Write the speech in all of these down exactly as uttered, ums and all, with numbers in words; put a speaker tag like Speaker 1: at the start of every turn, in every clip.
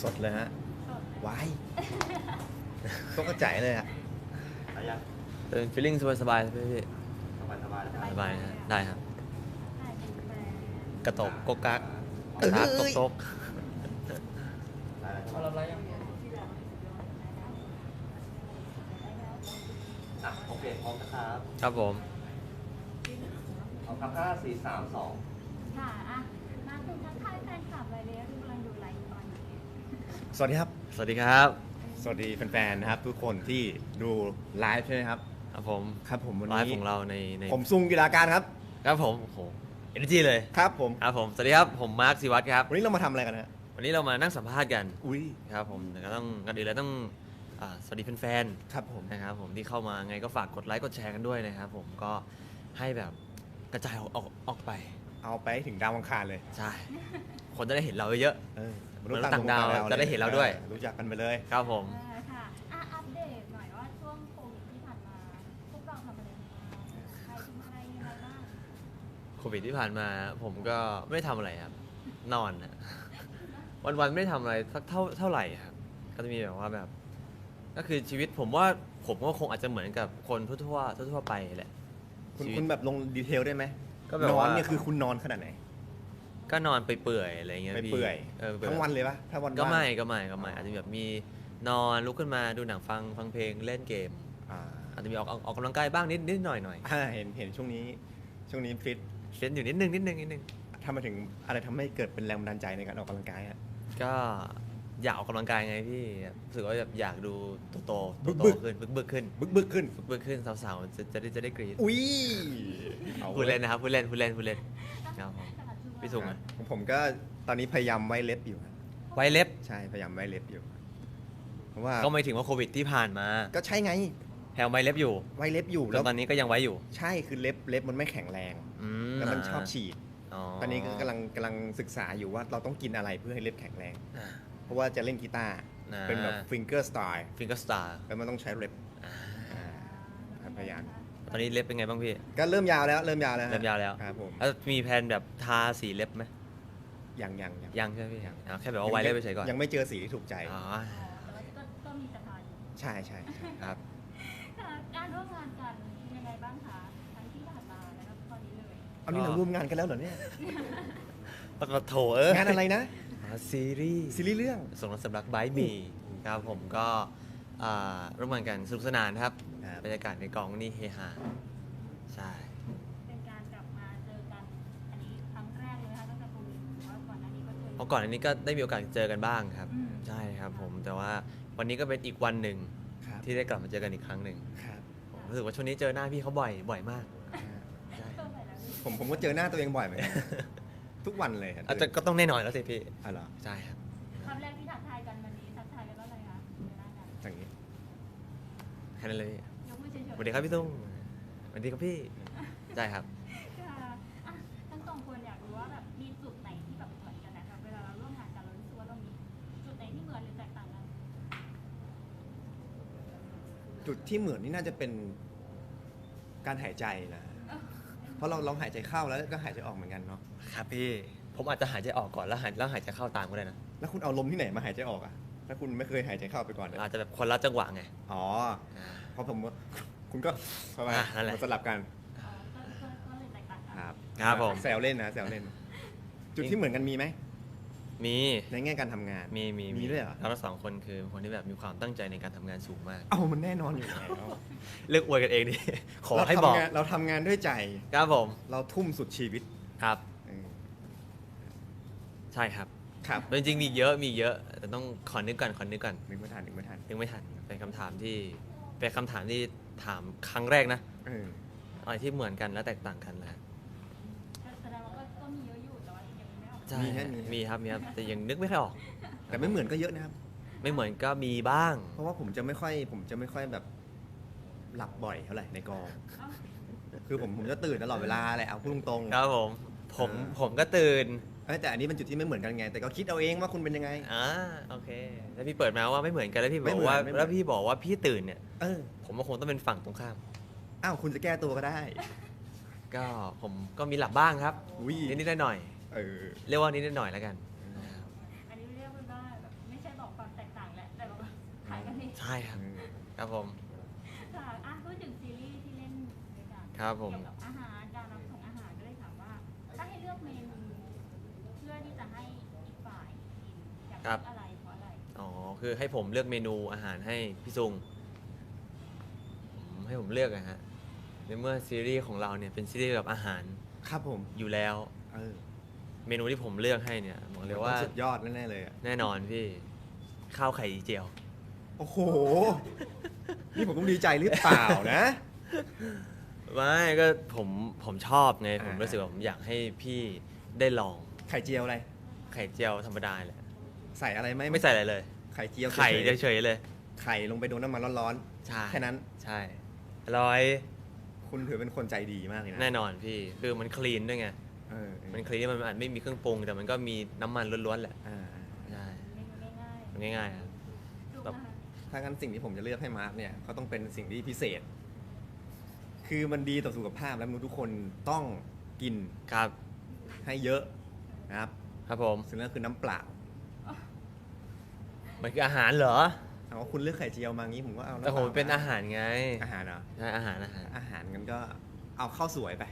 Speaker 1: สดเลยฮะ
Speaker 2: สด
Speaker 1: วายต้องกระจายเลยอะ
Speaker 3: อะไรยัง
Speaker 4: เป็น feeling สบายๆพี่
Speaker 3: สบายสบาย
Speaker 4: สบายๆนะได้ครับ
Speaker 2: ถ่ายเป็นแบรนด์
Speaker 4: กระตกกกกักกระทากกกตก
Speaker 3: เขารับไรยังอ่ะโอเคพร้อมนะครับ
Speaker 4: ครับผม
Speaker 3: พร้อมครับห้าสี่สามสอง
Speaker 2: ค่ะอ่ะมาถึงทักทายแฟนคลับอะไรเลยที่กำลังดูไลฟ์ตอนนี้
Speaker 1: สวัสดีครับ
Speaker 4: สวัสดีครับ
Speaker 1: สวัสดีแฟนๆนะครับ ทุกคนที่ดูไลฟ์ใช่ไหมครับ
Speaker 4: ครับผม
Speaker 1: ครับผมวัน
Speaker 4: ไล
Speaker 1: นี้
Speaker 4: ฟ์ของเราในใน
Speaker 1: ผมซุงกีฬาการครับ
Speaker 4: ครับผมโอ้โหเอเนจีเลย
Speaker 1: ครับผม
Speaker 4: ครับผมสวัสดีครับผมมาร์คศิวัตรครับ
Speaker 1: วันนี้เรามาทำอะไรกันฮะ
Speaker 4: วันนี้เรามานั่งสัมภาษณ์กัน
Speaker 1: อุ้ย
Speaker 4: ครับผมแต่ก็ต้องกันอื่นแล้วต้องอ่าสวัสดีแฟน
Speaker 1: ครับผม
Speaker 4: ๆนะครับผมที่เข้ามาไงก็ฝากกดไลค์กดแชร์กันด้วยนะครับผมก็ให้แบบกระจายออกออกออกไป
Speaker 1: เอาไปให้ถึงดาวอังคารเลย
Speaker 4: ใช่ คนจะได้เห็นเราเยอะ
Speaker 1: เออ
Speaker 4: มนุษย์ต่างดาวจะได้เห็นเราด้วย
Speaker 1: ออรู้จักกันไปเลย
Speaker 4: ครับผม
Speaker 2: เออค่ะอ่ะอัปเดตหน่อยว่าช่วงโควิดที่ผ่านมาพวกเราทำอะไรกันบ้างใครทำอะไรยังไงบ้าง
Speaker 4: โควิดที่ผ่านมาผมก็ไม่ได้ทำอะไรครับ นอนนะ วันๆไม่ได้ทำอะไรสักเท่าเท่าไหร่ครับก็จะมีแบบว่าแบบ ก็คือชีวิตผมว่าผมก็คงอาจจะเหมือนกับคนทั่วๆทั่วๆไปแหละ
Speaker 1: คุณ
Speaker 4: ชีวิต
Speaker 1: คุณแบบลงดีเทลได้ไหม
Speaker 4: ก็แบบ
Speaker 1: นอน
Speaker 4: ว่า
Speaker 1: เนี่ยคือคุณนอนขนาดไหน
Speaker 4: ก็นอนไปเปื่อยอะไรเงี้ย
Speaker 1: ไป
Speaker 4: พี่
Speaker 1: เปื่อย
Speaker 4: เออ
Speaker 1: ทั้งวันเลยปะถ้าวัน
Speaker 4: ก็
Speaker 1: ว่าง
Speaker 4: ไม่ก็ไม่ก็ไม่อาจจะแบบมีนอนลุกขึ้นมาดูหนังฟังฟังเพลงเล่นเกม
Speaker 1: อ่า
Speaker 4: อาจจะมีออกออกออกกำลังกายบ้างนิดนิดหน่อยหน่อย
Speaker 1: อ่าเห็นเห็นช่วงนี้ช่วงนี้ฟิต
Speaker 4: เล่นอยู่นิดนึงนิดนึงนิดนึง
Speaker 1: ทำมาถึงอะไรทำให้เกิดเป็นแรงบันดาลใจในการออกกำลังกายฮะ
Speaker 4: ก็อยากออกกำลังกายไงพี่รู้สึกว่าแบบอยากดูโตโตโต
Speaker 1: บึ
Speaker 4: โต
Speaker 1: กๆ
Speaker 4: ขึ้นบึกบึกขึ้น
Speaker 1: บึกบึกขึ้น
Speaker 4: บึกบึกขึ้นสาวๆจะจะได้จะได้กรี๊ด
Speaker 1: อุ้ยอา
Speaker 4: พูดเล่นนะครับพูดเล่นพูดเล่นพูดเล่นครับผม พี่สุง
Speaker 1: อ่ะ
Speaker 4: อะ
Speaker 1: ของผมก็ตอนนี้พยายามไว้เล็บอยู่ครับ
Speaker 4: ไว้เล็บ
Speaker 1: ใช่พยายามไว้เล็บอยู่ เพราะว่า
Speaker 4: ก็ไม่ถึงว่าโควิดที่ผ่านมา
Speaker 1: ก็ใช่ไง
Speaker 4: แถวไว้เล็บอยู่
Speaker 1: ไว้เล็บอยู่
Speaker 4: แล้
Speaker 1: แล้ว ว
Speaker 4: ตอนนี้ก็ยังไว้อยู่
Speaker 1: ใช่คือเล็บเล็บมันไม่แข็งแรง
Speaker 4: อื
Speaker 1: แล้วมันชอบฉีด
Speaker 4: อ๋อ
Speaker 1: ตอนนี้ก็กำลังกำลังศึกษาอยู่ว่าเราต้องกินอะไรเพื่อให้เล็บแข็งแรง
Speaker 4: อ่า
Speaker 1: เพราะว่าจะเล่นกีตาร์
Speaker 4: อ่า
Speaker 1: เป็นแบบฟิงเกอร์สไตล์
Speaker 4: ฟิงเกอร์สตาร์
Speaker 1: แล้วมันต้องใช้เล็บอ่าพยายาม
Speaker 4: ตอนนี้เล็บเป็นไงบ้างพี่
Speaker 1: ก็เริ่มยาวแล้วเริ่มยาวแล้วฮะ
Speaker 4: เริ่มยาวแล้ว
Speaker 1: ครับผม
Speaker 4: แล้วมีแผนแบบทาสีเล็บไหม
Speaker 1: ยังยังยัง
Speaker 4: ยังใช่ไหมพี่อ๋อแค่แบบว่าไว้เล็บไปเฉยก่อน
Speaker 1: ยังไม่เจอสีที่ถูกใจ
Speaker 4: อ๋อ
Speaker 2: แต่ว่าก็ก็มีสะพานอยู่
Speaker 1: ใช่ใช่ใช่
Speaker 4: ครับ
Speaker 2: ค่ะการร่วมงานกันยังไงบ้างคะทั้งที่ผ่านมาแล้วก็ตอนนี้เลย
Speaker 1: เอานี่เราร่วมงานกันแล้วเหรอเนี่ย
Speaker 4: ปะโถเออง
Speaker 1: านอะไรนะ
Speaker 4: อ่าซีรีส์
Speaker 1: ซีรีส์เรื่อง
Speaker 4: ส่งรักสำรักไบมีครับผมก็อ่าร่วมงานกันสนุกสนานครับ
Speaker 1: ครับ
Speaker 4: บรรยากาศในกองนี่เฮฮาใช่
Speaker 2: เป็นการกลับมาเจอกันอันนี้ครั้งแรกเลยนะคะตั้งแต่โควิดหรือว่าก่อนหน้านี้ก็เจอ
Speaker 4: เพราะก่อนอันนี้ก็ได้มีโอกาสเจอกันบ้างครับ
Speaker 2: อืม
Speaker 4: ใช่ครับผมแต่ว่าวันนี้ก็เป็นอีกวันหนึ่ง
Speaker 1: ครับ
Speaker 4: ที่ได้กลับมาเจอกันอีกครั้งหนึ่ง
Speaker 1: ครับ
Speaker 4: ผมรู้สึกว่าช่วงนี้เจอหน้าพี่เขาบ่อยบ่อยมากใช่
Speaker 2: เจอไปแล้วนี่
Speaker 1: ผมผมก็เจอหน้าตัวเองบ่อยเหมือนกัน ทุกวันเลยครับ
Speaker 4: อาจจะก็ต้องแน่นอนแล้วสิพี่
Speaker 1: อ๋อเหรอ
Speaker 4: ใช่ครับ
Speaker 2: คำแรกที่ทักทายกันวันนี้ทักทายกันว่าอะไรคะเจอหน้ากัน
Speaker 1: อย่างนี้
Speaker 4: แค่นั้นเลยพี่
Speaker 2: ยกมือเฉยๆ
Speaker 4: สวัสดีครับพี่ตุ้งสวัสดีครับพี่ใช่ครับ
Speaker 2: ค่ะอ่ะทั้งสองคนอยากรู้ว่าแบบมีจุดไหนที่แบบเหมือนกันนะครับเวลาเราร่วมงานกันเรารู้สึกว่าเรามีจุดไหนที่เหมือนหรือแตกต่างกัน
Speaker 1: จุดที่เหมือนนี่น่าจะเป็นการหายใจนะ เพราะเราลองหายใจเข้าแล้วก็หายใจออกเหมือนกันเนาะ
Speaker 4: ครับพี่ผมอาจจะหายใจออกก่อนแล้วหายแล้วหายใจเข้าตามก็ได้นะ
Speaker 1: แล้วคุณเอาลมที่ไหนมาหายใจออกอ่ะ ถ้าคุณไม่เคยหายใจเข้าไปก่อนเนี่ย
Speaker 4: อาจจะแบบคนละจังหวะไง
Speaker 1: อ๋อ
Speaker 4: อ่า
Speaker 1: เพราะผมว่าคุณก็เข้ามา
Speaker 4: อ่ะนั่นแหละ
Speaker 1: มาสลับกัน
Speaker 2: อ๋อก็ก็ก็เลยแตกต่างกัน
Speaker 1: ครับ
Speaker 4: ครับผม
Speaker 1: แซวเล่นนะแซวเล่น จุดที่เหมือนกันมีไหม
Speaker 4: มี
Speaker 1: ในแง่การทำงาน
Speaker 4: มีมี
Speaker 1: มีด้วยเหรอ
Speaker 4: เราทั้งสองคนคือคนที่แบบมีความตั้งใจในการทำงานสูงมาก
Speaker 1: เอ้ามันแน่นอนอยู่แล้ว
Speaker 4: เลือกอวยกันเองดิ ขอ
Speaker 1: เรา
Speaker 4: ให้บอก
Speaker 1: ทำงานเราทำงานด้วยใจ
Speaker 4: ครับผม
Speaker 1: เราทุ่มสุดชีวิต
Speaker 4: ครับ
Speaker 1: เออ
Speaker 4: ใช่ครับ
Speaker 1: ครับ
Speaker 4: จริงๆมีเยอะมีเยอะ แต่ต้องขอนึกก่อนขอนึกก่อน
Speaker 1: นึกไม่ทันนึกไม่ทัน
Speaker 4: นึกไม่ทันเป็นคำถามที่เป็นคำถามที่ถามครั้งแรกนะ
Speaker 1: เออ
Speaker 4: อะไรที่เหมือนกันและแตกต่างกันแหละ
Speaker 2: ก็แสดงว่าก็ก็มีเยอะอยู่แต่ว่ายังไม่ออก
Speaker 4: ใช่มีครับมีครับแต่ยังนึกไม่ค่อยออก
Speaker 1: แต่ไม่เหมือนก็เยอะนะครับ
Speaker 4: ไม่เหมือนก็มีบ้าง
Speaker 1: เพราะว่าผมจะไม่ค่อย ผมจะไม่ค่อยแบบหลับบ่อยเท่าไหร่ในกอง
Speaker 2: เอ้า
Speaker 1: คือผมผมจะตื่นตลอดเวลาแหละเอาพูดตรงๆ
Speaker 4: ครับผมผม
Speaker 1: เออ
Speaker 4: ผมก็ตื่น
Speaker 1: เอ้ยแต่อันนี้เป็นจุดที่ไม่เหมือนกันไง แต่ก็คิดเอาเองว่าคุณเป็นยังไง
Speaker 4: อ่าโอเคแล้วพี่เปิดมาว่าไม่เหมือนกันแล้วพี่บ
Speaker 1: ไม่
Speaker 4: อก
Speaker 1: เหมือน
Speaker 4: ว่า
Speaker 1: ไม่เหมือน
Speaker 4: แล้วพี่บอกว่าพี่ตื่นเนี่ย
Speaker 1: เออ
Speaker 4: ผมว่าคงต้องเป็นฝั่งตรงข้าม
Speaker 1: อ้าวคุณจะแก้ตัวก็ได้
Speaker 4: ก็ผมก็มีหลับบ้างครับ
Speaker 1: อุ้ย
Speaker 4: นิดๆหน่อย
Speaker 1: เออ
Speaker 4: ๆเรียกว่านิดๆหน่อยๆแล้วกันนะครับ
Speaker 2: อันนี้เรียกว่าแบบไม่ใช่บอก
Speaker 4: ใช่ครับ
Speaker 1: อืม
Speaker 4: ครับผม
Speaker 2: ค่ะอ่ะพูดถึงซีรีส์ที่เล่นด้วยกัน
Speaker 4: ครับผม
Speaker 2: เกี่ยวกับอาหารการรับส่งอาหารก็เลยถามว่า ถ้าให้เลือกเมนูเพื่อที่จะให้อีกฝ่ายกินอยากเลือกอะไรเพราะอะไร
Speaker 4: อ๋อ คือให้ผมเลือกเมนูอาหารให้พี่ซุงผมให้ผมเลือกอะฮะ ในเมื่อซีรีส์ของเราเนี่ยเป็นซีรีส์เกี่ยวกับอาหาร
Speaker 1: ครับผม
Speaker 4: อยู่แล้ว
Speaker 1: เออ
Speaker 4: เมนูที่ผมเลือกให้เนี่ยบอกเลยว่า
Speaker 1: สุดยอดแน่ๆเลยอะ
Speaker 4: แน่นอนพี่ ข้าวไข่เจียว
Speaker 1: โอ้โห นี่ผมต้องดีใจหรือเปล่านะ
Speaker 4: ไม่ก็ผมผมชอบไง ผม
Speaker 1: อ่ารู้
Speaker 4: รู้สึกว่าผมอยากให้พี่ได้ลอง
Speaker 1: ไข่เจียวอะไร
Speaker 4: ไข่เจียวธรรมดาแหละ
Speaker 1: ใส่อะไรไหม
Speaker 4: ไม่ใส่อะไรเลย
Speaker 1: ไข่เจียว
Speaker 4: ไข่
Speaker 1: เฉย
Speaker 4: เฉยๆเลย
Speaker 1: ๆไข่ลงไปโดนน้ำมันร้อน
Speaker 4: ใช่
Speaker 1: ๆ แค่นั้น
Speaker 4: ใช่อร่อย
Speaker 1: คุณถือเป็นคนใจดีมากเลยนะ
Speaker 4: แน่นอนพี่ คือมันคลีนด้วยไง
Speaker 1: เออเออ
Speaker 4: มันคลีนมันอาจไม่มีเครื่องปรุง แต่มันก็มีน้ำมันล้วนๆแหละ
Speaker 1: อ่า
Speaker 4: ใช่
Speaker 2: เมนูง่าย
Speaker 4: มันง่ายๆครับ
Speaker 2: ๆดู
Speaker 4: แบบ
Speaker 2: นะคะ
Speaker 1: ถ้างั้นสิ่งที่ผมจะเลือกให้มาร์คเนี่ยก็ต้องเป็นสิ่งที่พิเศษ คือมันดีต่อสุขภาพและมนุษย์ทุกคนต้องกิน
Speaker 4: ครับ
Speaker 1: ให้เยอะนะครับ
Speaker 4: ครับผม
Speaker 1: สิ่งนั้นคือน้ำเปล่า
Speaker 4: มันคืออาหารเหรอ
Speaker 1: เอาว่าคุณเลือกไข่เจียวมางี้ผมก็เอาำ
Speaker 4: แต่ผม
Speaker 1: ล่
Speaker 4: เป็นอาหารไง
Speaker 1: อาหารเหรอ
Speaker 4: ใช่อาหารอาหาร
Speaker 1: อาหารงั้นก็เอาข้าวสวยไป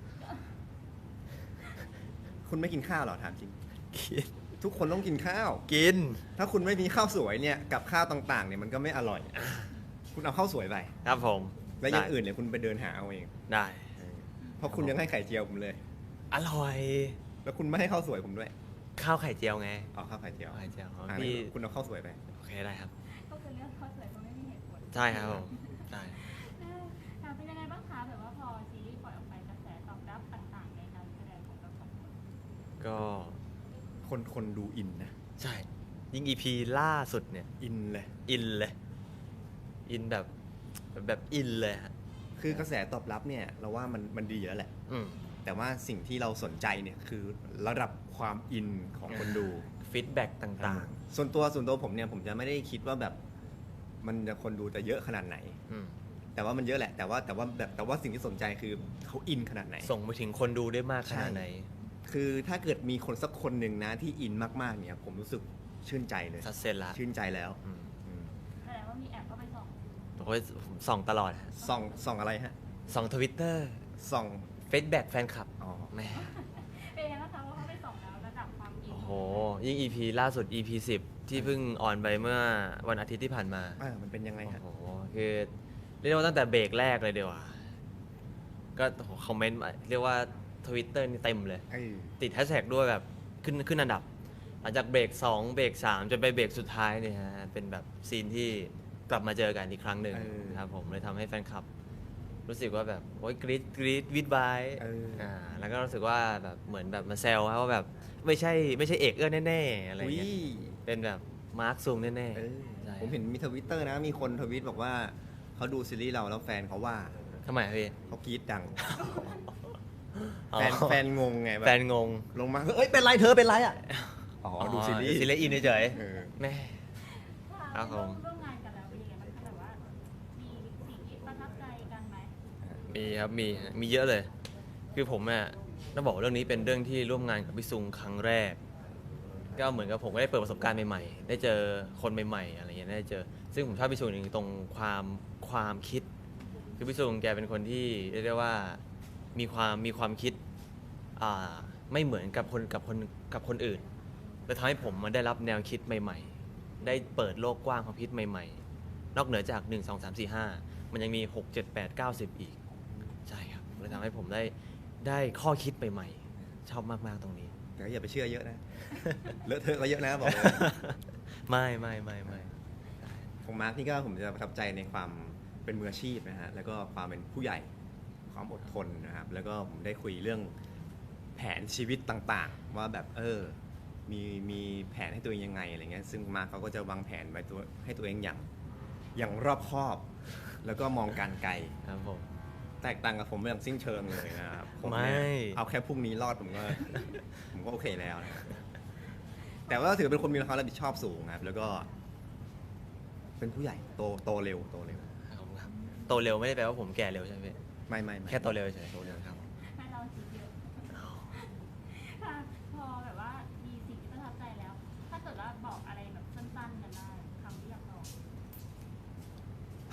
Speaker 1: คุณไม่กินข้าวเหรอถามจริง
Speaker 4: กิน
Speaker 1: ทุกคนต้องกินข้าว
Speaker 4: กิน
Speaker 1: ถ้าคุณไม่มีข้าวสวยเนี่ยกับข้าวต่างๆเนี่ยมันก็ไม่อร่อย คุณเอาข้าวสวยไป
Speaker 4: ครับผม
Speaker 1: แล้วอย่าง
Speaker 4: ได้
Speaker 1: อื่นเนี่ยคุณไปเดินหาเอาเอง
Speaker 4: ได้
Speaker 1: เพราะคุณยังให้ไข่เจียวผมเลย
Speaker 4: อร่อย
Speaker 1: แล้วคุณไม่ให้ข้าวสวยผมด้วย
Speaker 4: ข้าวไข่เจียวไง
Speaker 1: เอาข้าวไข่เจียว
Speaker 4: ข้าวไข่เจียวของ
Speaker 1: อ่า
Speaker 4: พี่
Speaker 1: งั้นคุณเอาข้าวสวยไป
Speaker 4: โอเคได้ครับ
Speaker 2: ก็คือเลือกข้าวสวยเพราะไม่มีเหตุผล
Speaker 4: ใช่ครับผมได้
Speaker 2: ค่ะเป็นยังไงบ้างคะแบบว่าพอซีรีส์ปล่อยออกไปกระแสตอบรับต่างๆในการแสดงของเราสองคน
Speaker 4: ก็
Speaker 1: คนคนดูอินนะ
Speaker 4: ใช่ ยิ่งอีพีล่าสุดเนี่ย
Speaker 1: อินเลย
Speaker 4: อินเลย อินแบบแบบอินเลยฮะ
Speaker 1: คือกระแสตอบรับเนี่ยเราว่ามันมันดีแล้วแหละ
Speaker 4: อืม
Speaker 1: แต่ว่าสิ่งที่เราสนใจเนี่ยคือระดับความอินของคนดู
Speaker 4: ฟีดแบ็กต่าง
Speaker 1: ส่วนตัวส่วนตัวผมเนี่ยผมจะไม่ได้คิดว่าแบบมันจะคนดูจะเยอะขนาดไหน
Speaker 4: ๆอืม
Speaker 1: แต่ว่ามันเยอะแหละ แต่ว่าแต่ว่าแบบแต่ว่าสิ่งที่สนใจคือเขาอินขนาดไหน
Speaker 4: ส่งไปถึงคนดูได้มากขนาดไหน
Speaker 1: คือถ้าเกิดมีคนสักคนหนึ่งนะที่อินมากๆเนี่ยผมรู้สึกชื่นใจเลย
Speaker 4: สัดเซนละ
Speaker 1: ชื่นใจแล้ว
Speaker 4: อืม
Speaker 1: อืม
Speaker 2: แสดงว่ามีแอบเข้าไปส่อง
Speaker 4: โอ้ยผมส่องตลอดฮะ
Speaker 1: ส่องส่องอะไรฮะ
Speaker 4: ส่องทวิตเตอร์
Speaker 1: ส่อง
Speaker 4: ฟีดแบ็กแฟนคลับ
Speaker 1: อ๋อ
Speaker 4: แหม่
Speaker 2: เป็นยังไงบ้างคะว่าเขาไปส่องแล้วระดับความอิน
Speaker 4: โอ้โห ยิ่ง อี พี ล่าสุด อี พี สิบ ที่เพิ่งออนไปเมื่อวันอาทิตย์ที่ผ่านมา
Speaker 1: อ่ามันเป็นยังไง
Speaker 4: โอ้
Speaker 1: ฮะ
Speaker 4: โห คือเรียกว่าตั้งแต่เบรกแรกเลยเดียวาก็โอ้โหคอมเมนต์มาเรียกว่าทวิตเตอร์นี่เต็มเลย
Speaker 1: เออ
Speaker 4: ติดแฮชแท็กด้วยแบบขึ้นขึ้นอันดับ หลังจากเบรกสองเบรกสามจนไปเบรกสุดท้ายเนี่ยฮะ เป็นแบบซีนที่กลับมาเจอกันอีกครั้งหนึ่งนะครับผมเลยทำให้แฟนคลับ รู้สึกว่าแบบโอ้ยกรี๊ดกรี๊ดวิดบาย
Speaker 1: เออ
Speaker 4: อ่าแล้วก็รู้สึกว่าแบบเหมือนแบบมาแซวครับว่าแบบไม่ใช่ไม่ใช่เอกเอื้อแน่ๆอะไร
Speaker 1: อุ้ย
Speaker 4: เงี้ยเป็นแบบมาร์คซูงแน่
Speaker 1: เออ
Speaker 4: ๆใช่
Speaker 1: ผมเห็นมีทวิตเตอร์นะ มีคนทวิตบอกว่าเขาดูซีรีส์เราแล้วแฟนเขาว่า
Speaker 4: ทำไมอะพี่
Speaker 1: เขากรี๊ดดัง
Speaker 4: อ๋อ
Speaker 1: แฟนแฟนงงไงแบบ
Speaker 4: แฟนงง
Speaker 1: ลงมาเอ้ยเป็นไรเธอเป็นไรอ่ะอ๋อดูซีรีส์
Speaker 4: ซีรีส์อินเฉย
Speaker 1: เออ
Speaker 4: ๆแม่ ครั
Speaker 2: ค่ะ
Speaker 4: บผม
Speaker 2: ร่วมงานกันแล้วเป็นยังไงบ้างคะแบบว่ามีสิ่งที่ประทับใจกันไหม
Speaker 4: มีครับมีฮะมีเยอะเลย คือผมอ่ะต้องบอกว่าเรื่องนี้เป็นเรื่องที่ร่วมงานกับพี่ซุงครั้งแรก ก็เหมือนกับผมก็ได้เปิดประสบการณ์ใหม่ๆ ได้เจอคนใหม่ๆอะไรเงี้ยได้เจอ ซึ่งผมชอบพี่ซุงอย่างหนึ่งตรงความความคิด คือพี่ซุงแกเป็นคนที่เรียกได้ว่ามีความมีความคิดอ่าไม่เหมือนกับคนกับคนกับคนอื่นและทำให้ผมมาได้รับแนวคิดใหม่ๆ ได้เปิดโลกกว้างความคิดใหม่ๆ นอกเหนือจากหนึ่ง สอง สาม สี่ ห้ามันยังมีหก เจ็ด แปด เก้า สิบอีกใช่ครับเลยทำให้ผมได้ได้ข้อคิดใหม่ๆชอบมากๆตรงนี้
Speaker 1: แต่ก็อย่าไปเชื่อเยอะนะ เลอะเทอะก็เยอะนะบอกเลย
Speaker 4: ไม่ไม่ไม่ไม่
Speaker 1: ของมาร์คนี่ก็ผมจะประทับใจในความเป็นมืออาชีพนะฮะแล้วก็ความเป็นผู้ใหญ่ความอดทนนะครับ แล้วก็ผมได้คุยเรื่องแผนชีวิตต่างๆ ว่าแบบเออมีมีแผนให้ตัวเองยังไงอะไรเงี้ยซึ่งมาร์คเขาก็จะวางแผนไว้ตัวให้ตัวเองอย่างอย่างรอบคอบ แล้วก็มองการไกล
Speaker 4: ครับผม
Speaker 1: แตกต่างกับผมอย่างสิ้นเชิงเลยนะครับผม
Speaker 4: ไม่
Speaker 1: เนี่ยเอาแค่พรุ่งนี้รอดผมก็ ผมก็โอเคแล้วนะแต่ว่าถือเป็นคนมีความรับผิดชอบสูงครับ แล้วก็ เป็นผู้ใหญ่โตโตเร็วโตเร็ว
Speaker 4: ขอบคุณครับโตเร็วไม่ได้แปลว่าผมแก่เร็วใช่ไหมพี่
Speaker 1: ไม่ไม่ไม่
Speaker 4: แค่โตเร็วเฉยๆโตเร็วครับ
Speaker 2: ให้เราคิดเยอะค่ะพอแบบว่ามีสิ่งที่ประทับใจแล้ว ถ้าเกิดว่าบอกอะไรแบบสั้นๆกันได้คำที่อยากบอก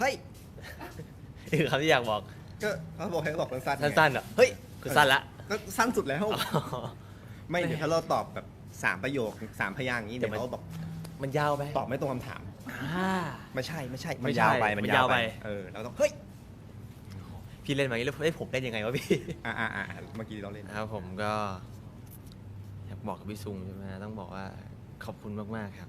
Speaker 1: เฮ้ย
Speaker 4: นี่คือคำที่อยากบอก
Speaker 1: ก็เขาบอกให้บอกสั้นๆไง
Speaker 4: สั้นๆเหรอเฮ้ยคือสั้นละ
Speaker 1: ก็สั้นสุดแล้ว ไม่เดี๋ยวถ้าเราตอบแบบสามประโยคสามพยางค์อย่างนี้
Speaker 4: เดี๋
Speaker 1: เดี๋
Speaker 4: ย
Speaker 1: ยว ว
Speaker 4: มัน
Speaker 1: เขาบอก
Speaker 4: มันยาวไป
Speaker 1: ตอบไม่ตรงคำถาม
Speaker 4: อ่า
Speaker 1: ไม่ใช่ไม่ใช่
Speaker 4: ไม่
Speaker 1: มัน
Speaker 4: ใช่
Speaker 1: ยาวไป
Speaker 4: มั
Speaker 1: มัน
Speaker 4: นยาย
Speaker 1: าว ว
Speaker 4: ไป
Speaker 1: ไปเออเราต้องเฮ้ย
Speaker 4: พี่เล่นมาอย่างนี้แล้วเอ้ยผมเล่นยังไงวะพี่
Speaker 1: อ่าอ่าอ่าเมื่อกี้เราเล่น
Speaker 4: นะครับผมก็อยากบอกกับพี่ซุงใช่ไหมต้องบอกว่าขอบคุณมากๆครับ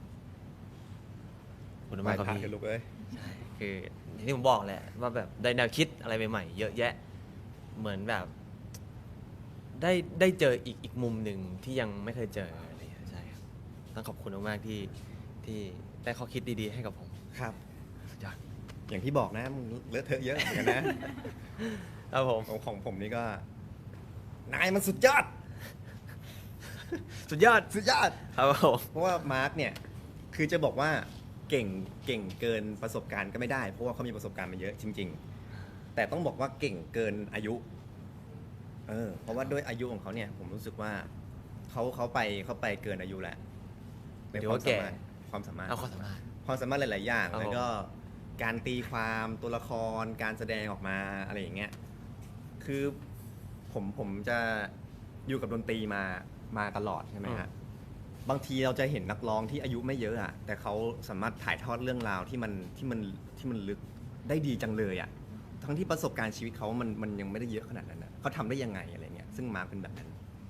Speaker 4: ขอบคุณมากครับ
Speaker 1: ผ่าน
Speaker 4: พี่
Speaker 1: กันลูกเอ้ย
Speaker 4: ใช่คืออย่างที่ผมบอกแหละว่าแบบได้แนวคิดอะไรใหม่ๆเยอะแยะ เหมือนแบบ ได้ได้เจออีกอีกมุมหนึ่งที่ยังไม่เคยเจออะไรอย่างเงี้ยใช่ครับต้องขอบคุณมากๆที่ที่ได้ข้อคิดดีๆให้กับผม
Speaker 1: ครับ
Speaker 4: สุดยอด
Speaker 1: อย่างที่บอกนะมึงเลอะเทอะเยอะเหมือนกันนะครับ
Speaker 4: ผม
Speaker 1: ของของผมนี่ก็ นายมันสุดยอด
Speaker 4: สุดยอด
Speaker 1: สุดยอด
Speaker 4: ครับผม
Speaker 1: เพราะว่ามาร์กเนี่ย คือจะบอกว่าเก่งเก่งเกินประสบการณ์ก็ไม่ได้ เพราะว่าเขามีประสบการณ์มาเยอะจริง ๆ แต่ต้องบอกว่าเก่งเกินอายุ เออ เพราะว่าด้วยอายุของเขาเนี่ย ผมรู้สึกว่าเขาเขาไปเขาไปเกินอายุแล้ว
Speaker 4: หมายถึงว่าแก่
Speaker 1: ความสามารถ
Speaker 4: เอาข้อสามารถ
Speaker 1: ความสามารถหลาย ๆ อย่าง
Speaker 4: ครับ
Speaker 1: แล้วก็การตีความตัวละครการแสดงออกมาอะไรอย่างเงี้ยคือผมผมจะอยู่กับดนตรีมามาตลอดใช่ไหมฮะบางทีเราจะเห็นนักร้องที่อายุไม่เยอะอะแต่เขาสามารถถ่ายทอดเรื่องราวที่มันที่มันที่มันลึกได้ดีจังเลยอะทั้งที่ประสบการณ์ชีวิตเขามันมันยังไม่ได้เยอะขนาดนั้นนะเขาทำได้ยังไงอะไรเงี้ยซึ่งมาร์คเป็นแบบนั้น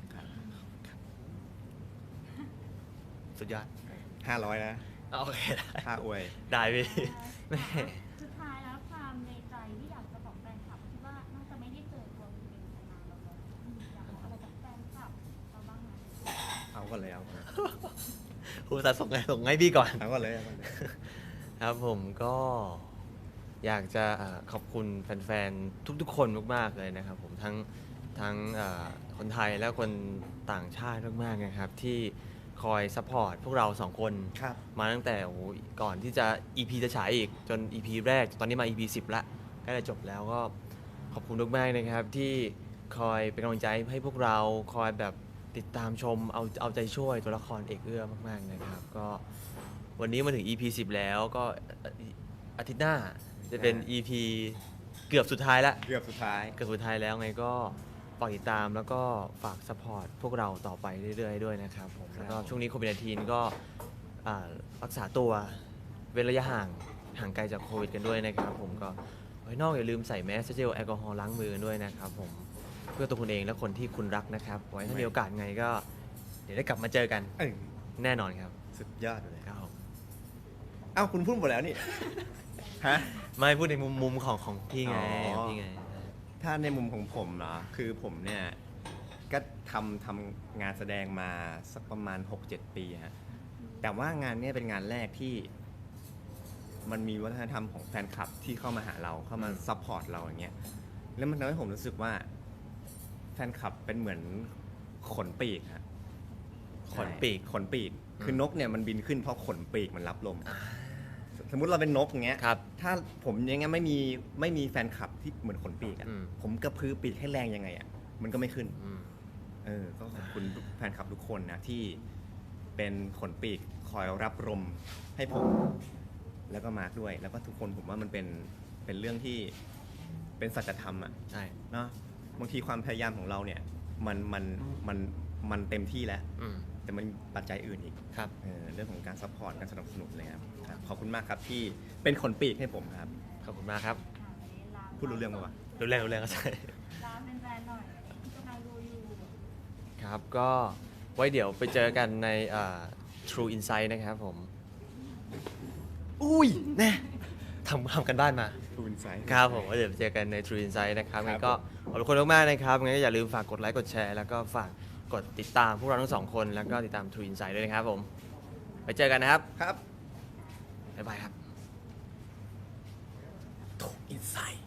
Speaker 4: สุดยอด
Speaker 1: ห้าร้อยนะ
Speaker 4: โอเคได้
Speaker 1: ค่าอวย
Speaker 4: ได้พี่แม่
Speaker 2: สุดท้ายแล้วความในใจที่อยากจะบอกแฟนคลับที่ว่าน่าจะไม่ได้เจอตัวคุณเป็นมานานแล้วเนอะอืมอยากบอกอะไรกับแฟนคลับเราบ้างไหม
Speaker 1: เอาก่อนเลยเอาก่อนเลย
Speaker 4: ครูสาส่งไงส่งให้พี่ก่อน
Speaker 1: เอาก่อนเลยเอาก่อนเลย
Speaker 4: ครับผมก็อยากจะเอ่อขอบคุณแฟนๆ ทุกๆ คนมากๆเลยนะครับผมทั้งทั้งเอ่อคนไทยและคนต่างชาติมากๆนะครับ ที่คอยซัพพอร์ตพวกเราสองคน
Speaker 1: ครับ
Speaker 4: มาตั้งแต่โอ้โหก่อนที่จะ อี พี จะฉายอีกจน อี พี แรก ตอนนี้มา อี พี สิบละใกล้จะจบแล้วก็ขอบคุณมากๆนะครับ ที่คอยเป็นกำลังใจให้พวกเราคอยแบบติดตามชมเอาเอาใจช่วยตัวละครเอกเอื้อมากๆนะครับ ก็วันนี้มาถึง อี พี สิบแล้วก็อาทิตย์หน้าจะเป็น อี พี เกือบสุดท้ายละ
Speaker 1: เกือบสุดท้าย
Speaker 4: เกือบสุดท้ายแล้วไงก็ฝากติดตามแล้วก็ฝากสปอร์ตพวกเราต่อไปเรื่อยๆด้วยนะครับผม
Speaker 1: ครับ
Speaker 4: แล้วก็ช่วงนี้โควิด สิบเก้า ก็อ่ารักษาตัวเว้นระยะห่างห่างไกลจากโควิดกันด้วยนะครับผมก็ไว้นอกอย่าลืมใส่แมสเจลแอลกอฮอล์ล้างมือกันด้วยนะครับผมเพื่อตัวคุณเองและคนที่คุณรักนะครับไว้ถ้ามีโอกาสไงก็เดี๋ยวได้กลับมาเจอกัน
Speaker 1: เอ้ย
Speaker 4: แน่นอนครับ
Speaker 1: สุดยอดเลย
Speaker 4: ครับผม
Speaker 1: อ้าวคุณพูดหมดแล้วนี่ ฮะ
Speaker 4: ไม่พูดในมุมมุมของของพี่ไง
Speaker 1: อ๋อ
Speaker 4: พี่ไง
Speaker 1: ถ้าในมุมของผมเหรอ คือผมเนี่ย ก็ทำทำงานแสดงมาสักประมาณ หกเจ็ด ปีฮะ แต่ว่างานเนี้ยเป็นงานแรกที่ มันมีวัฒนธรรมของแฟนคลับที่เข้ามาหาเราเข้ามา
Speaker 4: อืม
Speaker 1: ซัพพอร์ตเราอย่างเงี้ย แล้วมันทำให้ผมรู้สึกว่า แฟนคลับเป็นเหมือนขนปีกฮะ
Speaker 4: ขนปีก
Speaker 1: ขนปีก
Speaker 4: อืม
Speaker 1: คือนกเนี่ยมันบินขึ้นเพราะขนปีกมันรับลม สมมุติเราเป็นนกอย่างเงี้ย
Speaker 4: ครับ
Speaker 1: ถ้าผมยังไงไม่มีไม่มีแฟนคลับที่เหมือนขนปีกอะ
Speaker 4: อืม
Speaker 1: ผมกระพือปีกให้แรงยังไงอะมันก็ไม่ขึ้น
Speaker 4: อืม
Speaker 1: เออ ก็ขอบคุณแฟนคลับทุกคนนะที่เป็นขนปีกคอยรับลมให้ผม แล้วก็มาร์คด้วย แล้วก็ทุกคนผมว่ามันเป็นเป็นเรื่องที่เป็นสัจธรรมอะ
Speaker 4: ใช่
Speaker 1: เนาะบางทีความพยายามของเราเนี่ย มันมันมันมันเต็มที่แล้ว
Speaker 4: อืม
Speaker 1: แต่มันมีปัจจัยอื่นอีก
Speaker 4: ครับ
Speaker 1: เออเรื่องของการซัพพอร์ตการสนับสนุนเลยครับครับขอบคุณมากครับที่เป็นขนปีกให้ผมครับ
Speaker 4: ขอบคุณมากครับ
Speaker 2: อ่าวันนี้ลา
Speaker 1: พูดรู้เรื่องปะวะ
Speaker 4: รู้แรงรู้แรงก็ใช่
Speaker 2: ลาเป็นแฟนๆหน่อยที่กำลังดูอยู่
Speaker 4: ครับ ก็ไว้เดี๋ยวไปเจอกันในอ่า True Insight นะครับผม
Speaker 1: อุ้ย
Speaker 4: แน่ทำทำกันบ้านมา
Speaker 1: ทูนไซส์
Speaker 4: ครับผมไว้เดี๋ยวไปเจอกันใน True Insight นะครับ
Speaker 1: ครับ
Speaker 4: งั้นก็ขอบคุณมากๆนะครับงั้นก็อย่าลืมฝากกดไลค์กดแชร์ แล้วก็ฝากกดติดตามพวกเราทั้งสองคน แล้วก็ติดตาม True Insight ด้วยนะครับผม ไปเจอกันนะครับ
Speaker 1: ครับ
Speaker 4: บ๊ายบายครับ
Speaker 1: ทูนไซส์